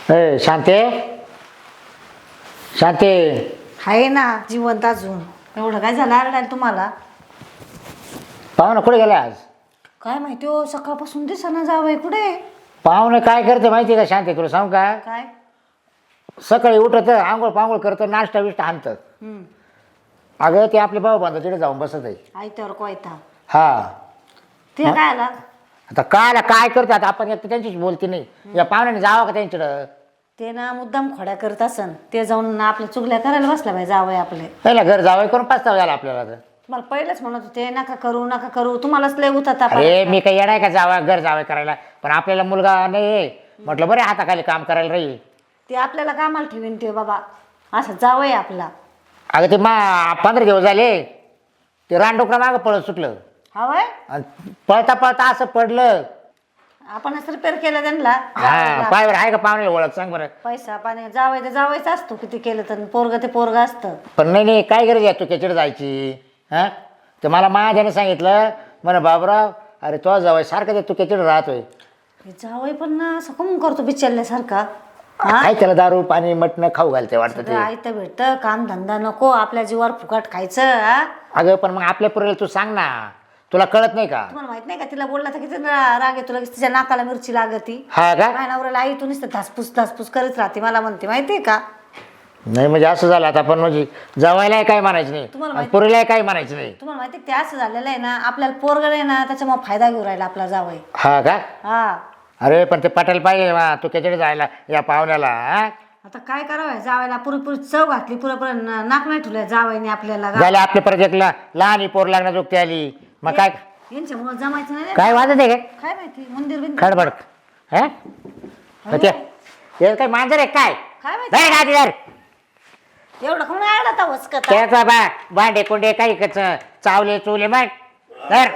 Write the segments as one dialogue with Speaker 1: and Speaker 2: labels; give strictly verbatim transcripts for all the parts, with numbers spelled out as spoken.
Speaker 1: ए शांते शांते
Speaker 2: आहे ना जिवंत अजून. एवढं काय झालं आरडायला तुम्हाला?
Speaker 1: पाहुणा कुठे गेला आज?
Speaker 2: काय माहिती हो, सकाळपासून दिसना जावंय कुठे.
Speaker 1: पाहुणे काय करते माहिती आहे का शांते, तुला सांग का?
Speaker 2: काय?
Speaker 1: सकाळी उठत आंघोळ पांघोळ करतं, नाश्ता बिष्टा आणतं.
Speaker 2: हम्म.
Speaker 1: अगं ते आपले भाऊ बांधव तिथे जाऊन बसत आहे.
Speaker 2: आयत्यावर कोयता.
Speaker 1: हा
Speaker 2: ते काय आला?
Speaker 1: आता कायला काय करते आता आपण, एक तर त्यांच्याशी बोलते नाही. या पाहुण्याने जावं का त्यांच्याकडं?
Speaker 2: ते ना मुद्दाम खोड्या करत असन, ते जाऊन ना आपल्या चुगल्या करायला बसला बाई जावंय आपले.
Speaker 1: पहिला घर जावं करून पाचता झाला आपल्याला तर.
Speaker 2: मला पहिलेच म्हणत होते नका करू नका करू, तुम्हालाच लय उतरता.
Speaker 1: अरे मी काही येणार का जावं घर जावं करायला, पण आपल्याला मुलगा नाही म्हटलं बरे हाताखाली काम करायला राहील.
Speaker 2: ते आपल्याला कामाला ठेवीन ते बाबा, असं जावंय आपला.
Speaker 1: अगं ते मा पंधरा दिवस झाले ते रानडुकरा मागं पळत सुटलं
Speaker 2: हवंय.
Speaker 1: आणि पळता पळता असं पडलं.
Speaker 2: आपणच रिपेअर केलं त्यांना.
Speaker 1: हा पायवर आहे का पाहुणे ओळख सांग बरं.
Speaker 2: पैसा पाणी जावय तर जावायचं असतो, किती केलं तर पोरग ते पोरग असतं.
Speaker 1: पण नाही नाही काय गरज आहे तू त्याच्याकडे जायची? हा तर मला माझ्याने सांगितलं म्हणे बाबराव अरे तो जावय सारखं ते तू त्याच्याकडे राहतोय.
Speaker 2: जावय पण ना असं कमून करतो बिचारल्यासारखा.
Speaker 1: काय त्याला दारू पाणी मटणं खाऊ घालते वाटतं ते.
Speaker 2: आयतं भेटतं, काम धंदा नको, आपल्या जीवावर फुकट खायचं. हा?
Speaker 1: अगं पण मग आपल्या पुरेला तू सांग ना, तुला कळत नाही का?
Speaker 2: तुम्हाला माहित नाही का तिला बोलला तर किती रा- राग येतो, लगेच तिच्या नाकाला मिरची लागती.
Speaker 1: हा का?
Speaker 2: काय नवऱ्याला आई तू नुसतं धासपूस धासपूस करत राहते, मला म्हणते माहितीये का?
Speaker 1: नाही म्हणजे असं झालं आता, पण म्हणजे जवायलाही काय म्हणायचं
Speaker 2: तुम्हाला
Speaker 1: नाही
Speaker 2: माहिती-
Speaker 1: पुरीलाही काय म्हणायचं नाही.
Speaker 2: तुम्हाला माहिती ते असं झालेलं आहे ना, आपल्याला पोरग आहे ना त्याच्यामुळे फायदा घेऊ राहिला आपला जावय.
Speaker 1: हा का?
Speaker 2: हा
Speaker 1: अरे पण ते पटेल पाहिजे बा, तू त्याच्याकडे जायला या पाहुण्याला. हा?
Speaker 2: आता काय करावं, जावायला पुरेपुरी चव घातली, पुरेपूर नाक नाही ठेवलं जावायने आपल्याला.
Speaker 1: झालं आपल्या परत एक ला- लहान पोर लागणार जोगती आली मग काय?
Speaker 2: यांच्यामुळे जमायचं नाही रे.
Speaker 1: काय वाजत आहे काय
Speaker 2: काय माहिती मंदिर बिंदिर
Speaker 1: खडबड? हा ते हे काय मांजर आहे काय?
Speaker 2: काय माहिती
Speaker 1: नाही गादी धर.
Speaker 2: एवढं कोण आडा वचकत.
Speaker 1: त्याचा बा भांडे कोंडे काही कच चावले चुवले मग धर.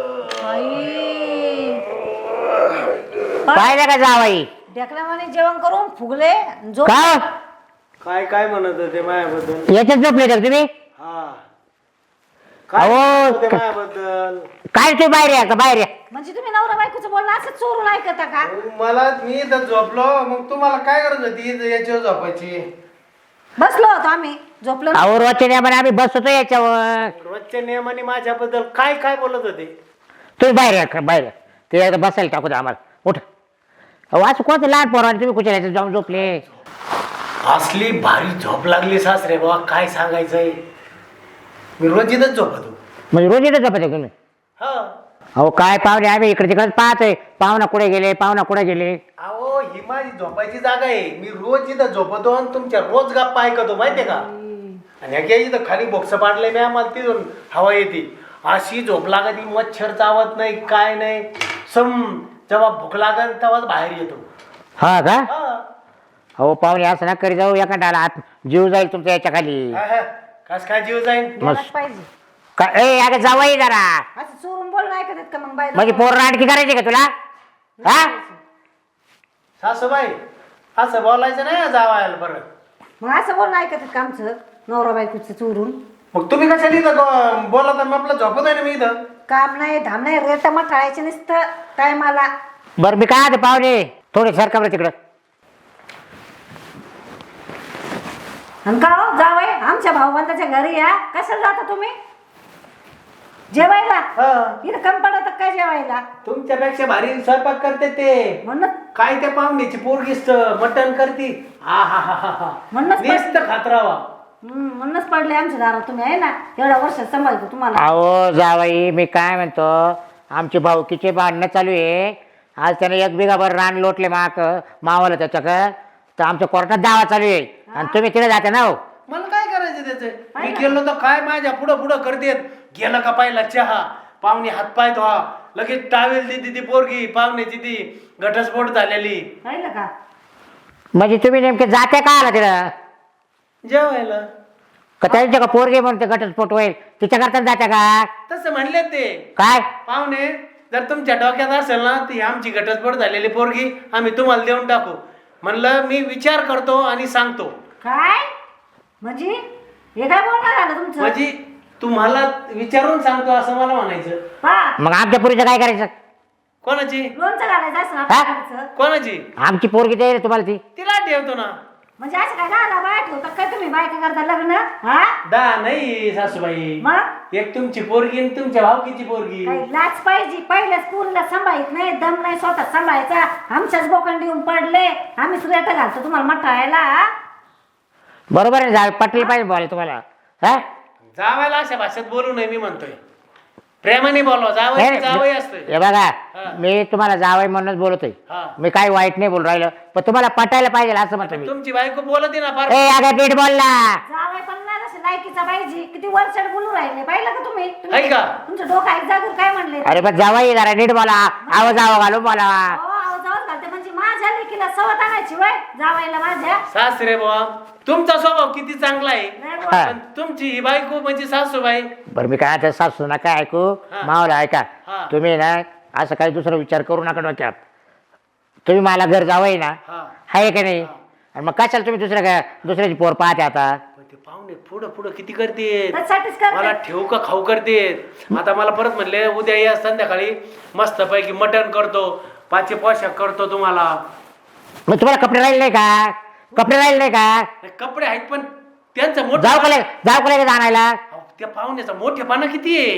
Speaker 1: पाहिलं का जावाई
Speaker 2: ढेकल्यावाने जेवण करून फुगले झोप.
Speaker 1: का
Speaker 3: काय काय म्हणत होते मायाबद्दल?
Speaker 1: याच्यात झोपले तर तुम्ही?
Speaker 3: हा काय
Speaker 1: अहो,
Speaker 3: म्हणत होते
Speaker 1: क-
Speaker 3: मायाबद्दल?
Speaker 1: काय तू बाहेर या का बाहेर या?
Speaker 2: म्हणजे तुम्ही नवरा बायकोचं बोलणं असं चोरून ऐकता का?
Speaker 3: मला मी इथं झोपलो, मग तुम्हाला काय गरज होती इथं याच्यावर झोपायची?
Speaker 2: बसलो होतो आम्ही, झोपलो नाही.
Speaker 1: अहो रोजच्या नियमाने आम्ही बसतो याच्यावर.
Speaker 3: रोजच्या नियमाने माझ्याबद्दल काय काय बोलत होते?
Speaker 1: तुम्ही बाहेर या का बाहेर या. ते एकदा बसायला टाकू द्या आम्हाला. उठ. अहो असं कोणतं लहान पोराने तुम्ही कुठे याच्यात जाऊन झोपले?
Speaker 3: असली भारी झोप लागली सासरे बाबा, काय सांगायचंय. मी रोज इथंच झोपतो.
Speaker 1: म्हणजे रोज येतं झोपायचं तुम्ही?
Speaker 3: हा
Speaker 1: अहो काय पाहुणे आम्ही इकडे तिकडे पाहतोय, पाहुणा कुठे गेले पाहुणा कुठे गेले.
Speaker 3: अहो ही माझी झोपायची जागा आहे. मी रोज इथं झोपतो आणि तुमच्या रोज गप्पा ऐकतो माहितीये का. आणि ह्या इथं खाली बोक्स पाडलंय मी, आम्हाला तिथून हवा येते. अशी झोप लागत, मच्छर चावत नाही काय नाही. सम जेव्हा भूक लागल तेव्हाच बाहेर येतो.
Speaker 1: हा का?
Speaker 3: हा.
Speaker 1: अहो पाहुणे असं ना करी जाऊ, एका डाला आत जीव जाईल तुमच्या याच्या खाली.
Speaker 3: हा, हा. कस काय जीव जाईन?
Speaker 2: गेलाच पाहिजे.
Speaker 1: का ए अगं जावई जरा.
Speaker 2: असं चोरून बोलणं ऐकत का मग बाय?
Speaker 1: म्हणजे पोर नाटकी करायची का तुला? हा
Speaker 3: सासूबाई असं बोलायचं नाही जावायला बरं.
Speaker 2: मग असं बोलणं ऐकत का आमचं नवरा बायकोचं चोरून?
Speaker 3: मग तुम्ही कशाला इथं बोला तर मग आपलं झोपत आहे ना मी इथं.
Speaker 2: काम नाही धाम नाही, रेट मग टाळायचे नसतं टायमाला.
Speaker 1: बरं मी काय ते पाहुणे थोडे सरका बरं तिकडं.
Speaker 2: आणि का हो जावय आमच्या भाऊबंदाच्या घरी या, कशाला जाता तुम्ही जेवायला?
Speaker 3: हा.
Speaker 2: इथं कम पडत काय जेवायला?
Speaker 3: तुमच्यापेक्षा भारी स्वयंपाक करते ते.
Speaker 2: म्हणून
Speaker 3: काय त्या पाहुण्याची पोरगीच मटण करती. हा हा हा हा हा
Speaker 2: म्हणूनच
Speaker 3: नुसतं खातरावा.
Speaker 2: हम्म, म्हणूनच पडले आमच्या दारात तुम्ही, आहे ना एवढ्या वर्षात सांभाळतो तुम्हाला.
Speaker 1: अहो जावाई मी काय म्हणतो, आमचे भाऊकीचे भांडणं चालू आहे. आज त्याने एक बिघाभर रान लोटले माक मावाला त्याच्या का, तर आमच्या कोर्टात दावा चालू आहे आणि तुम्ही तिथे जाते ना. हो
Speaker 3: मला काय करायचं त्याचं? मी गेलो तर काय माझ्या पुढं पुढं करतेत. गेलं का पाहिला चहा, पाहुणे हातपाय धुवा, लगेच टावेल देते ती पोरगी पाहुण्याची ती घटस्फोट झालेली.
Speaker 2: पाहिलं का?
Speaker 1: म्हणजे तुम्ही नेमके जाते का आला तिला?
Speaker 3: जेवायला.
Speaker 1: का त्यांच्या का पोरगे म्हणून ते घटस्फोट होईल तिच्या करता जात्या का?
Speaker 3: तसं म्हणले ते
Speaker 1: काय
Speaker 3: पाहुणे, जर तुमच्या डोक्यात असेल ना ती आमची घटस्फोट झालेली पोरगी आम्ही तुम्हाला देऊन टाकू. म्हणलं मी विचार करतो आणि सांगतो.
Speaker 2: काय म्हणजे हे काय बोलणार आलं तुमचं?
Speaker 3: म्हणजे तुम्हाला विचारून सांगतो असं मला म्हणायचं.
Speaker 2: पहा,
Speaker 1: मग आमच्या पुरीचं काय करायचं?
Speaker 3: कोणाची
Speaker 2: लोणचं घालायचं असं
Speaker 1: हा?
Speaker 2: आपल्याकडचं.
Speaker 3: कोणाची
Speaker 1: आमची पोरगी दे रे तुम्हाला ती
Speaker 3: तिला ठेवतो ना.
Speaker 2: म्हणजे असं काय घाला बाय ठेवता काय तुम्ही बायका करता लग्न हा
Speaker 3: दा नाही सासूबाई,
Speaker 2: मग
Speaker 3: एक तुमची पोरगी आणि तुमच्या भावकीची पोरगी.
Speaker 2: काही लाच पाहिजे. पहिल्या स्कूलला सांभाळत नाही, दम नाही स्वतः सांभाळायचा. आमच्याच बोकंडी येऊन पडले, आम्ही सुरेट घालतो तुम्हाला मटायला.
Speaker 1: बरोबर आहे जा पटली पाहिजे बोला तुम्हाला हा
Speaker 3: जावायला अशा भाषेत बोलू नये मी म्हणतोय. प्रेमाने बोलवा. जावई जावई असतोय.
Speaker 1: हे बघा
Speaker 3: हा.
Speaker 1: मी तुम्हाला जावई म्हणूनच बोलतोय
Speaker 3: हा.
Speaker 1: मी काही वाईट नाही बोल राहिलं पण तुम्हाला पटायला पाहिजे असं म्हणतो मी
Speaker 3: तुमची बायको बोलते ना फार.
Speaker 1: ए अगं नीट बोल ना
Speaker 2: जावई पण नाही तसं लायकीचा पाहिजे. किती वरचढ बोलू राहिले पाहिलं का तुम्ही?
Speaker 3: आहे
Speaker 2: तुम्ही-
Speaker 3: का?
Speaker 2: तुमचं डोकं आहे जागूर काय म्हणले?
Speaker 1: अरे पण जावई जरा नीट बोला आवाज आवा घालून बोला
Speaker 2: अहो, आवाज आवाज घालते म्हणजे माझ्या लेकीला सवत आणायची वय जावायला माझ्या.
Speaker 3: सासरे बुवा तुमचा स्वभाव किती चांगला आहे,
Speaker 2: नाही
Speaker 1: हा.
Speaker 2: बोल.
Speaker 3: पण तुमची ही बायको म्हणजे सासूबाई.
Speaker 1: बरं मी काय आता सासू नका ऐकू
Speaker 3: हा.
Speaker 1: मावला ऐका
Speaker 3: हा.
Speaker 1: तुम्ही ना असं काही दुसरा विचार करू नका डोक्यात तुम्ही मला घर जावई ना
Speaker 3: हा.
Speaker 1: आहे का नाही आणि मग कशाला तुम्ही दुसऱ्या काय दुसऱ्याची पोर पाहते आता
Speaker 3: पण ते पाहुणे पुढं पुढं किती करते,
Speaker 2: त्याच्यासाठीच करते.
Speaker 3: मला ठेवू का खाऊ करते. आता मला परत म्हणले उद्या या संध्याकाळी मस्त पैकी मटण करतो, पाचशे पोशाख करतो तुम्हाला.
Speaker 1: मग तुम्हाला कपडे राहिले नाही का कपडे राहिले नाही का
Speaker 3: नाही, कपडे आहेत पण त्यांचं मोठं
Speaker 1: जाऊ का लगे- जाऊ का लगेच आणायला
Speaker 3: अहो, त्या पाहुण्याचा मोठेपणा किती आहे.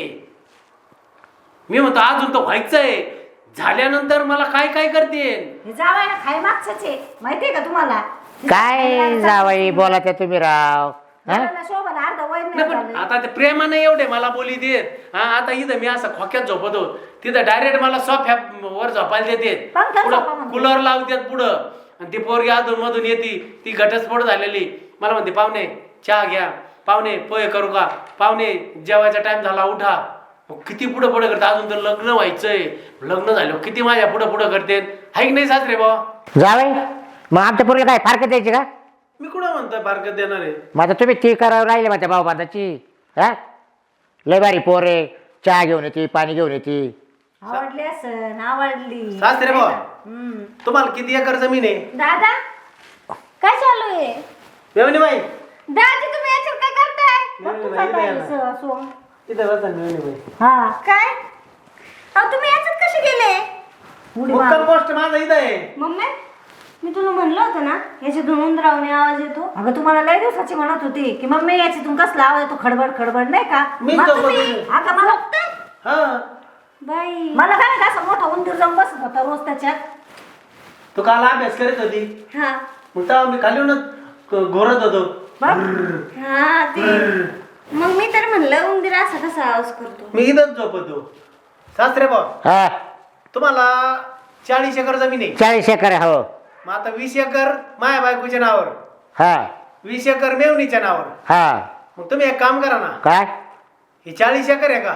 Speaker 3: मी म्हणतो अजून तर व्हायचंय, झाल्यानंतर मला काय काय करते.
Speaker 2: हे जावायला खाय मागचंच आहे माहितीये का तुम्हाला?
Speaker 1: काय जावई बोला त्या तुम्ही राव हा?
Speaker 2: जावायला शोभाला अर्ध वय
Speaker 3: नाही
Speaker 2: नाही
Speaker 3: पण
Speaker 2: झालं.
Speaker 3: आता ते प्रेमाने एवढे मला बोली देत. हा आता इथं मी असं खोक्यात झोपतो, तिथं डायरेक्ट मला सोफ्या वर झोपायला देते,
Speaker 2: पंख्यात झोपा
Speaker 3: पुढं
Speaker 2: म्हणते.
Speaker 3: कूलर लावतात पुढं. आणि ती पोरगी अधून मधून येते, ती घटस्फोट झालेली मला म्हणते पाहुणे चहा घ्या, पाहुणे पोहे करू का, पाहुणे जेवायचा टाइम झाला उठा. मग किती पुढं पुढं करते, अजून तर लग्न व्हायचंय. लग्न झालं किती माझ्या पुढं पुढं करते. हाय की नाही सासरे बाबा?
Speaker 1: जावई मग आमच्या पोरीला काय फारकत द्यायची का
Speaker 3: मी कुठं म्हणतोय फारकत देणार आहे.
Speaker 1: मग आता तुम्ही ती करावं राहिले माझ्या भाऊ बांधाची हा लय बारी पोर आहे चहा घेऊन येते पाणी घेऊन येते
Speaker 2: आवडली असं आवडली.
Speaker 3: सासरे बुवा.
Speaker 2: हम्म.
Speaker 3: तुम्हाला किती एकर जमीन आहे?
Speaker 2: दादा काय चालू आहे?
Speaker 3: मेवणी बाई
Speaker 2: दादी तुम्ही याच्यात काय करताय? बघ
Speaker 3: नाही,
Speaker 2: तू
Speaker 3: नाही,
Speaker 2: जाताय
Speaker 3: नाही,
Speaker 2: असं- असं.
Speaker 3: तिथं बसा मेवणी बाई.
Speaker 2: हा काय अहो तुम्ही याच्यात कसे गेले? उडी मार.
Speaker 3: मुक्काम पोस्ट माझा इथं आहे.
Speaker 4: मम्मी मी तुला म्हणलं होतं ना याच्यातून उंदरावणे आवाज येतो.
Speaker 2: अगं तुम्हाला लय दिवसाची म्हणत होती की मम्मी याच्यातून कसला आवाज येतो खडबड खडबड नाही का?
Speaker 3: मी
Speaker 2: मग
Speaker 3: तो
Speaker 2: तुम्ही
Speaker 3: बघितलं.
Speaker 2: अगं मला
Speaker 3: हा
Speaker 4: बाई
Speaker 2: मला काय माहिती असं मोठा उंदीर जाऊन बसत होता रोज त्याच्यात.
Speaker 3: तू काल अभ्यास करत होती,
Speaker 4: हा
Speaker 3: मग तेव्हा मी खाली येऊन घोरत होतो.
Speaker 2: बघ
Speaker 4: हा ते मग मी तर म्हणलं उंदीर असा कसा आवाज करतो.
Speaker 3: मी इथंच झोपतो. सासरे भाऊ
Speaker 1: हा
Speaker 3: तुम्हाला चाळीस एकर जमीन आहे.
Speaker 1: चाळीस एकर आहे, हो
Speaker 3: मग आता वीस एकर माया बायकोच्या नावावर,
Speaker 1: हा
Speaker 3: वीस एकर मेवणीच्या नावावर.
Speaker 1: हा
Speaker 3: मग तुम्ही एक काम करा ना,
Speaker 1: काय
Speaker 3: ही चाळीस एकर आहे का,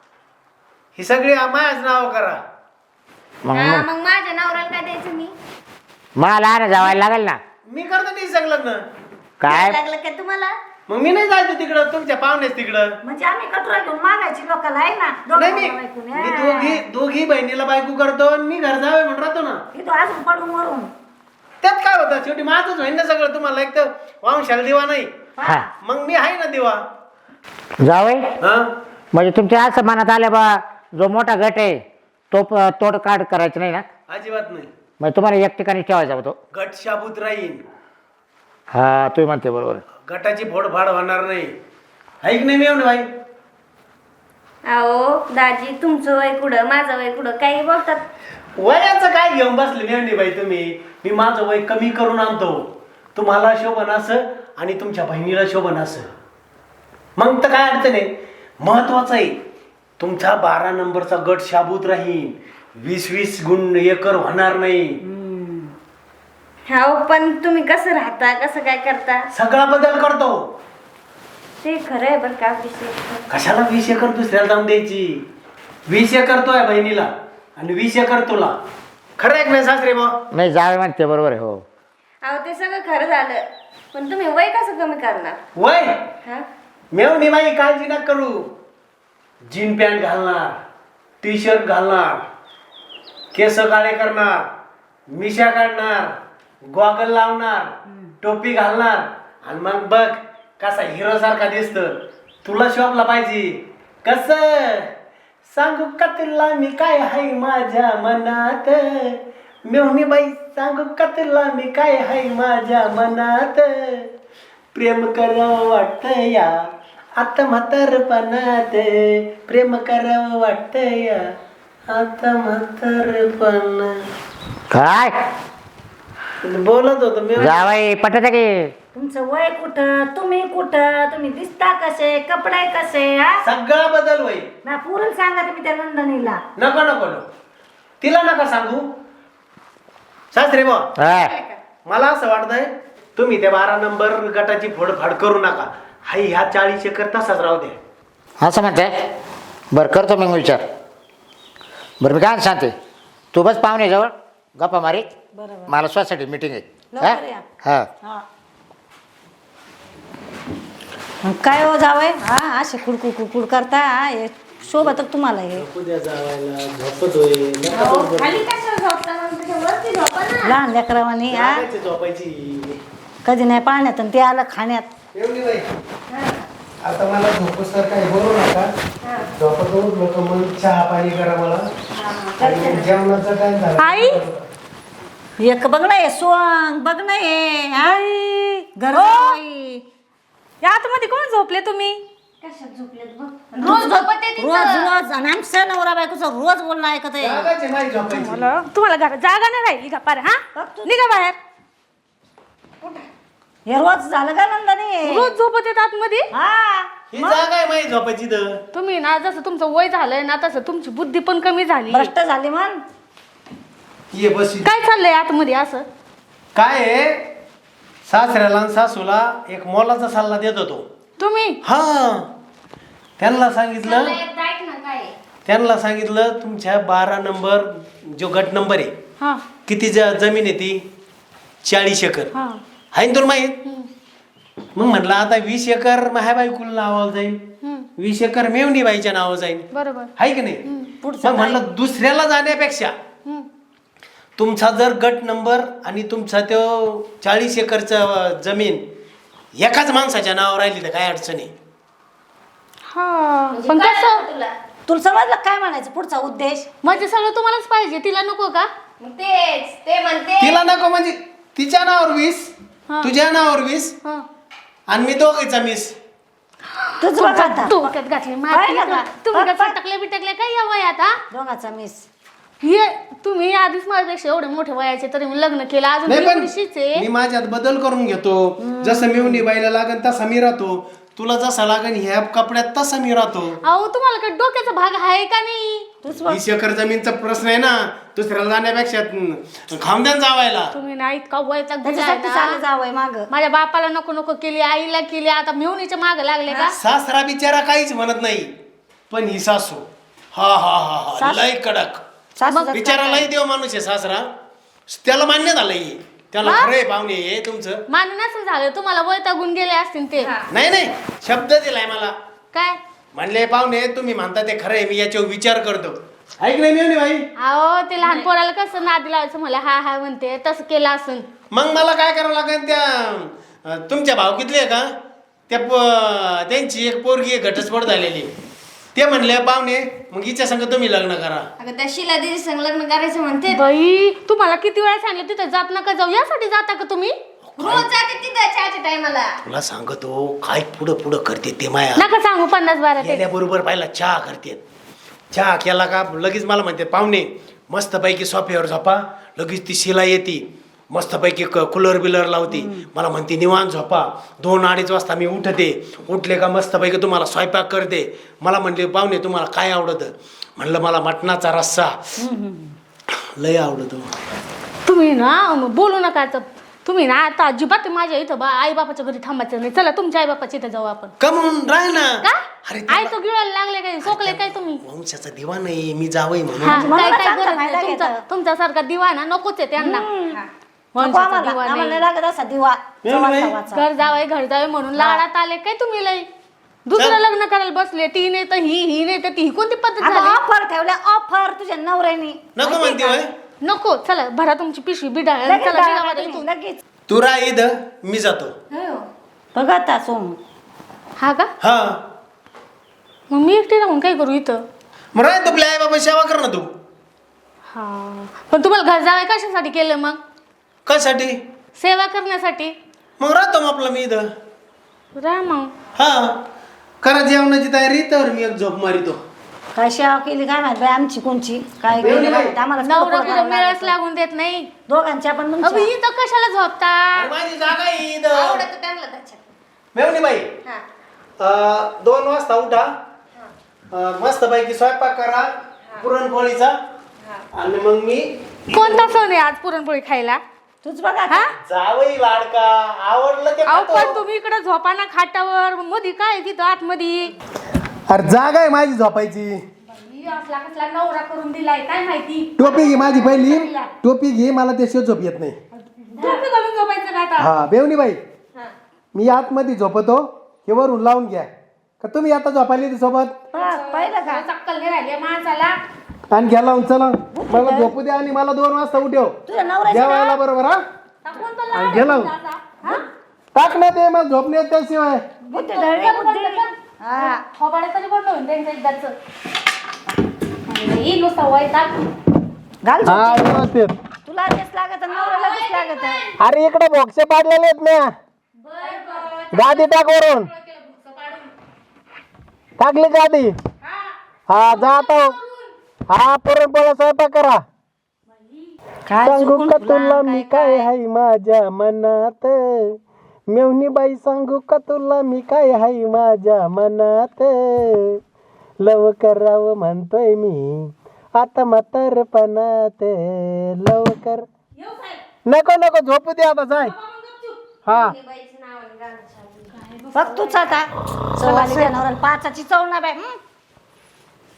Speaker 3: ही सगळी मायाच नाव करा.
Speaker 1: मग
Speaker 4: हा
Speaker 1: मग-
Speaker 4: मग माझ्या नवऱ्याला काय द्यायचं मी?
Speaker 1: मला ना जावायला लागेल ना
Speaker 3: मी करतो नाही सगळं लग्न.
Speaker 1: काय
Speaker 4: लागलं का तुम्हाला?
Speaker 3: मग मी नाही जायचं तिकडं, तुमच्या पाहुण्याच तिकडं.
Speaker 2: म्हणजे आम्ही कटोरा घेऊन मागायची लोकांना आहे ना
Speaker 3: नाही मी
Speaker 2: दोघं बायकोने.
Speaker 3: मी दोघी दोघी बहिणीला बायको करतो आणि मी घर जावे म्हणून राहतो ना.
Speaker 2: इथं अजून पडून वरून
Speaker 3: त्यात काय होतं, शेवटी माझंच होईन ना सगळं. तुम्हाला एक तर वांशाला दिवा नाही,
Speaker 1: हा
Speaker 3: मग मी आहे ना दिवा.
Speaker 1: जावई
Speaker 3: हा
Speaker 1: म्हणजे तुमच्या असं मनात आलं बा जो मोठा गट आहे तो प- तोड काढ करायचं नाही ना
Speaker 3: अजिबात नाही.
Speaker 1: मग तुम्हाला एक ठिकाणी ठेवायचा होतो
Speaker 3: गट शाबूत राहीन,
Speaker 1: हा तुम्ही म्हणते बरोबर
Speaker 3: गटाची फोडफाड होणार नाही. ऐक नाही मी येऊन भाई.
Speaker 4: अहो दाजी तुमचं वय कुठं माझं वय कुठं काही बोलतात.
Speaker 3: वयाचं काय घेऊन बसले मेवणी बाई तुम्ही. मी माझं वय कमी करून आणतो, तुम्हाला शोभन असं आणि तुमच्या बहिणीला शोभन असं. मग तर काय अडचण आहे. महत्वाचं आहे तुमचा बारा नंबरचा गट शाबूत राहील, वीस वीस गुण एकर होणार नाही.
Speaker 4: हो पण तुम्ही कसं राहता कसं काय करता
Speaker 3: सगळा बदल करतो.
Speaker 4: ते खरं आहे बरं का विषय.
Speaker 3: कशाला वीस एकर दुसऱ्याला जाऊन द्यायची. वीस एकर तो आहे बहिणीला आणि वीस एकर तुला. खरं आहे की नाही सासरे बा?
Speaker 1: नाही जावे म्हणते बरोबर आहे हो
Speaker 4: अहो ते सगळं खरं झालं पण तुम्ही वय कसं कमी करणार?
Speaker 3: वय
Speaker 4: हा
Speaker 3: मेवणी बाई काळजी नका करू. जीन पॅन्ट घालणार, टी शर्ट घालणार, केस काळे करणार, मिशा काढणार, गॉगल लावणार, टोपी घालणार आणि मग बघ कसा हिरो सारखा दिसत. तुला शोभला पाहिजे. कस सांगू का तुला मी काय हाय माझ्या मनात, मेवणी बाई सांगू का तुला मी काय हाय माझ्या मनात, प्रेम करावं वाटतं या आता म्हातारपणात, प्रेम करावं वाटतं या आता म्हातारपणात.
Speaker 1: काय
Speaker 3: बोलत होतो मी.
Speaker 1: जावाई पटत की
Speaker 2: तुमचं वय कुठं, तुम्ही कुठं, तुम्ही दिसता कसे, कपडे कसे, हा
Speaker 3: सगळा बदल होईल.
Speaker 2: ना पुरून सांगा तुम्ही त्या नंदनीला.
Speaker 3: नको नको नको. तिला नका सांगू. सासरे बा
Speaker 1: हा.
Speaker 3: मला असं वाटतंय तुम्ही त्या बारा नंबर गटाची फोडफाड करू नका. हाई ह्या चाळीस एकर तसाच राहू द्या.
Speaker 1: असं म्हणते. बरं करतो मग विचार. बरं मी काय सांगते, तू बस पाहुणे जवळ गप्पा मारी.
Speaker 2: बरोबर.
Speaker 1: मला सोसायटी मीटिंग आहे.
Speaker 2: लवकर या.
Speaker 1: हा
Speaker 2: हा. मग काय हो जावय, हा असे कुडकुड कुडकुड करता, हा, हे शोभत तुम्हाला हे.
Speaker 3: उद्या जावायला झोपतोय. नका बरोबर.
Speaker 4: खाली कशाला झोपता मग तुझ्या वरती झोपा ना.
Speaker 2: लहान लेकरावानी हा
Speaker 3: जागायची झोपायची.
Speaker 2: कधी नाही पाण्यात आणि ते आलं खाण्यात.
Speaker 3: एवढी बाई आता मला झोपूस तर काही बोलू नका. झोपत लोक मग चहा पाणी करा मला. आणि जेवणाचं काय झालं
Speaker 4: आई?
Speaker 2: एक बघ ना हे सोंग, बघ ना हे आई घरजावई.
Speaker 4: या आतमध्ये कोण झोपले तुम्ही? कशात झोपलेत बघ. रोज झोपत येते
Speaker 2: रोज रोज आणि आमच्या नवरा बायकोचं रोज बोलणं ऐकत आहे.
Speaker 3: जागायची नाही झोपायची.
Speaker 4: मला तुम्हाला घरात जागा नाही राहिली का पार हा? निघा बाहेर.
Speaker 2: हे रोज झालं का नंदनी?
Speaker 4: रोज झोपत येत आतमध्ये.
Speaker 2: हा
Speaker 3: ही जागा आहे माझी झोपायची तर.
Speaker 4: तुम्ही ना जसं तुमचं वय झालंय ना तसं तुमची बुद्धी पण कमी झाली.
Speaker 2: भ्रष्ट झाली म्हण.
Speaker 3: ये बस.
Speaker 4: काय चाललंय आतमध्ये असं?
Speaker 3: काय आहे, सासऱ्याला आणि सासूला एक मोलाचा सल्ला देत होतो.
Speaker 4: तुम्ही
Speaker 3: हा त्यांना सांगितलं त्यांना सांगितलं तुमच्या बारा नंबर जो गट नंबर आहे
Speaker 4: हा
Speaker 3: किती ज जमीन आहे ती चाळीस एकर
Speaker 4: हा
Speaker 3: आहे ना तुला माहीत. मग म्हटलं आता वीस एकर माझ्या बायकोला नावावर जाईल,
Speaker 4: हम्म,
Speaker 3: वीस एकर मेवणी बाईच्या नावावर जाईल.
Speaker 4: बरोबर.
Speaker 3: आहे की नाही.
Speaker 2: पुढचं
Speaker 3: मग म्हणलं दुसऱ्याला जाण्यापेक्षा
Speaker 4: हम्म,
Speaker 3: तुमचा जर गट नंबर आणि तुमचा तो चाळीस एकरचा जमीन एकाच माणसाच्या नावावर राहिली तर काय अडचण आहे.
Speaker 4: हा पण कसं
Speaker 2: तुला समजलं काय म्हणायचं पुढचा उद्देश?
Speaker 4: म्हणजे सगळं तुम्हालाच पाहिजे, तिला नको का?
Speaker 5: तेच ते म्हणते
Speaker 3: तिला नको म्हणजे तिच्या नावावर वीस,
Speaker 4: हा.
Speaker 3: तुझ्या नावावर वीस
Speaker 4: हा.
Speaker 3: आणि मी दोघीचा मीस.
Speaker 2: तुझं बघ आता.
Speaker 4: डोक्यात घातली माती.
Speaker 2: पाहिलं का?
Speaker 4: तुम्ही
Speaker 2: बघ,
Speaker 4: कसं
Speaker 2: बघ.
Speaker 4: टकले बिटकले काय या वयात हा?
Speaker 2: दोघाचा मिस.
Speaker 4: हे तुम्ही आधीच माझ्यापेक्षा एवढे मोठे वयाचे तरी मी लग्न केलं अजून
Speaker 3: नाही पण
Speaker 4: एवढीशीच आहे.
Speaker 3: मी माझ्यात बदल करून घेतो. जसं मिवणी बाईला लागन तसा मी राहतो, तुला जसा लागन ह्या कपड्यात तसा मी राहतो.
Speaker 4: अहो तुम्हाला काय डोक्याचा भाग आहे का नाही?
Speaker 2: तूच बघ.
Speaker 3: वीस एकर जमीनचा प्रश्न आहे ना, दुसऱ्याला जाण्यापेक्षा खामद्यान जावायला.
Speaker 4: तुम्ही ना इतका वयचा
Speaker 2: त्याच्यासाठी चालू जावंय माग.
Speaker 4: माझ्या बापाला नको नको केली, आईला केली, आता मिवणीच्या माग लागले का?
Speaker 3: सासरा बिचारा काहीच म्हणत नाही, पण ही सासू हा हा हा हा
Speaker 2: सासू-
Speaker 3: लय कडक.
Speaker 2: सासूचं
Speaker 3: बिचारा लय देव माणूस आहे सासरा. त्याला मान्य झालंय, त्याला
Speaker 4: हा?
Speaker 3: खरंय पाहुणे हे तुमचं.
Speaker 4: मान्य नसेल झालं तुम्हाला वैतागून गेले असतील ते.
Speaker 3: नाही नाही शब्द दिलाय मला.
Speaker 4: काय
Speaker 3: म्हणले पाहुणे तुम्ही म्हणता ते खरंय, मी याच्यावर विचार करतो. ऐक नाही मिळून भाई.
Speaker 4: अहो ते लहान पोराला कसं नादी लावायचं मला हा हा म्हणते तसं केलं असून.
Speaker 3: मग मला काय करावं लागेल, त्या अं, तुमच्या भावकीतली आहे का त्या प- त्यांची एक पोरगी घटस्फोट झालेली, ते म्हणले पाहुणे मग हिच्या संग तुम्ही लग्न करा.
Speaker 5: अगं त्या शिला दिदी संग लग्न करायचं म्हणते.
Speaker 4: बाई तुम्हाला किती वेळा सांगितलं तिथं जात नका जाऊ, यासाठी जाता का तुम्ही?
Speaker 5: रोज जाते तिथं चहाच्या टायमाला.
Speaker 3: तुला सांगतो काय पुढं पुढं करते ते माया.
Speaker 4: नका सांगू पन्नास बारा ते.
Speaker 3: गेल्याबरोबर पाहिला चहा करते. चहा केला का लगेच मला म्हणते पाहुणे मस्तपैकी सोफ्यावर झोपा, लगेच ती शिला येते मस्तपैकी कूलर बिलर लावते. मला म्हणते निवांत झोपा. दोन अडीच वाजता मी उठते, उठले का मस्तपैकी तुम्हाला स्वयंपाक करते. मला म्हणले पाहुणे तुम्हाला काय आवडतं, म्हणलं मला मटणाचा रस्सा लय आवडतो.
Speaker 4: तुम्ही ना बोलू नका आता. तुम्ही ना आता अजिबात माझ्या इथं बा आई बापाच्या घरी थांबायचं नाही. चला तुमच्या आई बापाच्या इथं जाऊ आपण.
Speaker 3: का म्हणून राह ना.
Speaker 4: का
Speaker 3: अरे
Speaker 4: आई तो गिळायला लागले काय, सोकले काय तुम्ही?
Speaker 3: वंशाचा दिवा नाही मी जावई
Speaker 4: हा,
Speaker 3: म्हणून.
Speaker 2: मला
Speaker 4: काय काय
Speaker 2: चांगला
Speaker 4: गरज
Speaker 2: फायदा
Speaker 4: नाही. तुमचा
Speaker 2: घेतात.
Speaker 4: तुमच्यासारखा दिवाना नकोच आहे त्यांना.
Speaker 2: नको
Speaker 4: वंशाचा
Speaker 2: आम्हाला,
Speaker 4: दिवा
Speaker 2: आम्हाला
Speaker 4: नाही.
Speaker 2: लागत असा दिवा.
Speaker 3: नाही,
Speaker 2: चवाचा
Speaker 3: नाही.
Speaker 2: वाचा.
Speaker 4: घर जावे घर जावे म्हणून लाडात आले काय तुम्ही लय? दुसरं
Speaker 3: चल.
Speaker 4: लग्न करायला बसले, ती नाही तर ही ही नाही तर ती, ही कोणती पद्धत
Speaker 2: अगं
Speaker 4: झाली?
Speaker 2: ऑफर ठेवल्या ऑफर तुझ्या नवऱ्यानी.
Speaker 3: नको म्हणते होय.
Speaker 4: नको चला भरा तुमची पिशवी बिडाळ.
Speaker 2: लगेच
Speaker 4: चला
Speaker 2: जाळा
Speaker 4: निघा बरं
Speaker 2: तुम्ही,
Speaker 4: इथून.
Speaker 2: लगेच.
Speaker 3: तू राह इथं, मी जातो.
Speaker 2: बघ आता सोम.
Speaker 4: हा का?
Speaker 3: हा
Speaker 4: मग मी एकटी राहून काय करू इथं?
Speaker 3: मग राह तुला आई बाबा सेवा कर ना तू.
Speaker 4: हा पण तुम्हाला घर जावं कशासाठी केलं मग?
Speaker 3: कशासाठी?
Speaker 4: सेवा करण्यासाठी.
Speaker 3: मग राहतो मग आपला मी इथं.
Speaker 4: राहा मग.
Speaker 3: हा करा जेवणाची तयारी तर मी एक झोप मारितो.
Speaker 2: काय सेवा केली काय माहित बाई आमची कोणची काय
Speaker 3: एवढी
Speaker 2: केली
Speaker 3: बाई.
Speaker 2: माहित आम्हाला
Speaker 4: नवरा
Speaker 2: पोरं
Speaker 4: बिरं मेळच
Speaker 2: लागतं.
Speaker 4: लागून देत नाही.
Speaker 2: दोघांच्या पण
Speaker 4: अबे
Speaker 2: तुमच्या.
Speaker 4: इथं कशाला झोपता?
Speaker 3: अरे माझी जागा आहे इथं.
Speaker 5: आवडत त्यांना त्याच्यात.
Speaker 3: मेवणी बाई
Speaker 5: हा
Speaker 3: अं, दोन वाजता उठा. मस्त पैकी स्वयंपाक करा पुरणपोळीचा आणि मग मी
Speaker 4: कोणता सण आहे आज पुरणपोळी खायला?
Speaker 2: तूच बघा
Speaker 4: हा?
Speaker 3: जावई लाडका आवडलं ते
Speaker 4: अहो
Speaker 3: खातो.
Speaker 4: पण तुम्ही इकडे झोपा ना खाटावर, मधी काय आहे तिथं आतमध्ये?
Speaker 6: अरे जागा आहे माझी झोपायची.
Speaker 4: बाई, असला कसला नवरा करून दिलाय काय माहिती.
Speaker 6: टोपी घे माझी पहिली, टोपी घे, मला त्याशिवाय झोप येत नाही.
Speaker 4: टोपी घालून झोपायचं का आता?
Speaker 6: हा बेवणी बाई
Speaker 5: हा.
Speaker 6: मी आतमध्ये झोपतो, हे वरून लावून घ्या का तुम्ही आता झोपायला येते सोबत
Speaker 2: हा, पाहिलं का
Speaker 4: चक्कल नाही राहिली माणसाला.
Speaker 6: आणि घ्या लावून चला मला झोपू द्या आणि मला दोन वाजता उठव
Speaker 2: तुझ्या नवऱ्याची
Speaker 6: जेवायला बरोबर हा
Speaker 4: टाकून तर
Speaker 6: आणि
Speaker 4: लावा
Speaker 6: घे लावून
Speaker 4: आता. हा?
Speaker 6: टाक ना ते मला झोप नाही येत त्याशिवाय.
Speaker 2: बुद्धी धरली बुद्धी. हा
Speaker 4: खोबाडे तरी बंद होईल त्यांचं एकदाच. ही नुसतं वैताग.
Speaker 2: घाल झोप.
Speaker 6: हा व्यवस्थित.
Speaker 2: तुला तेच लागत नवऱ्याला तेच लागत
Speaker 6: अरे इकडे बॉक्स पाडलेले आहेत ना, गादी टाक वरून. टाकली गादी. हा जातो. हा पुरणपोळ्या स्वयंपाक करा.
Speaker 2: काय
Speaker 6: सांगू
Speaker 2: चुकून
Speaker 6: का
Speaker 2: तुला
Speaker 6: तुला मी काय हाय माझ्या मनात, मेवणी बाई सांगू का तुला मी काय हाय माझ्या मनात, लव करावं म्हणतोय मी आता म्हातारपणात, लव कर. नको नको झोपू दे आता जाय. हा
Speaker 5: बाईचं नाव आणि गाणं चालू.
Speaker 2: बघ तूच आता चव आली त्या नवऱ्याला पाचाची चव ना बाई हं?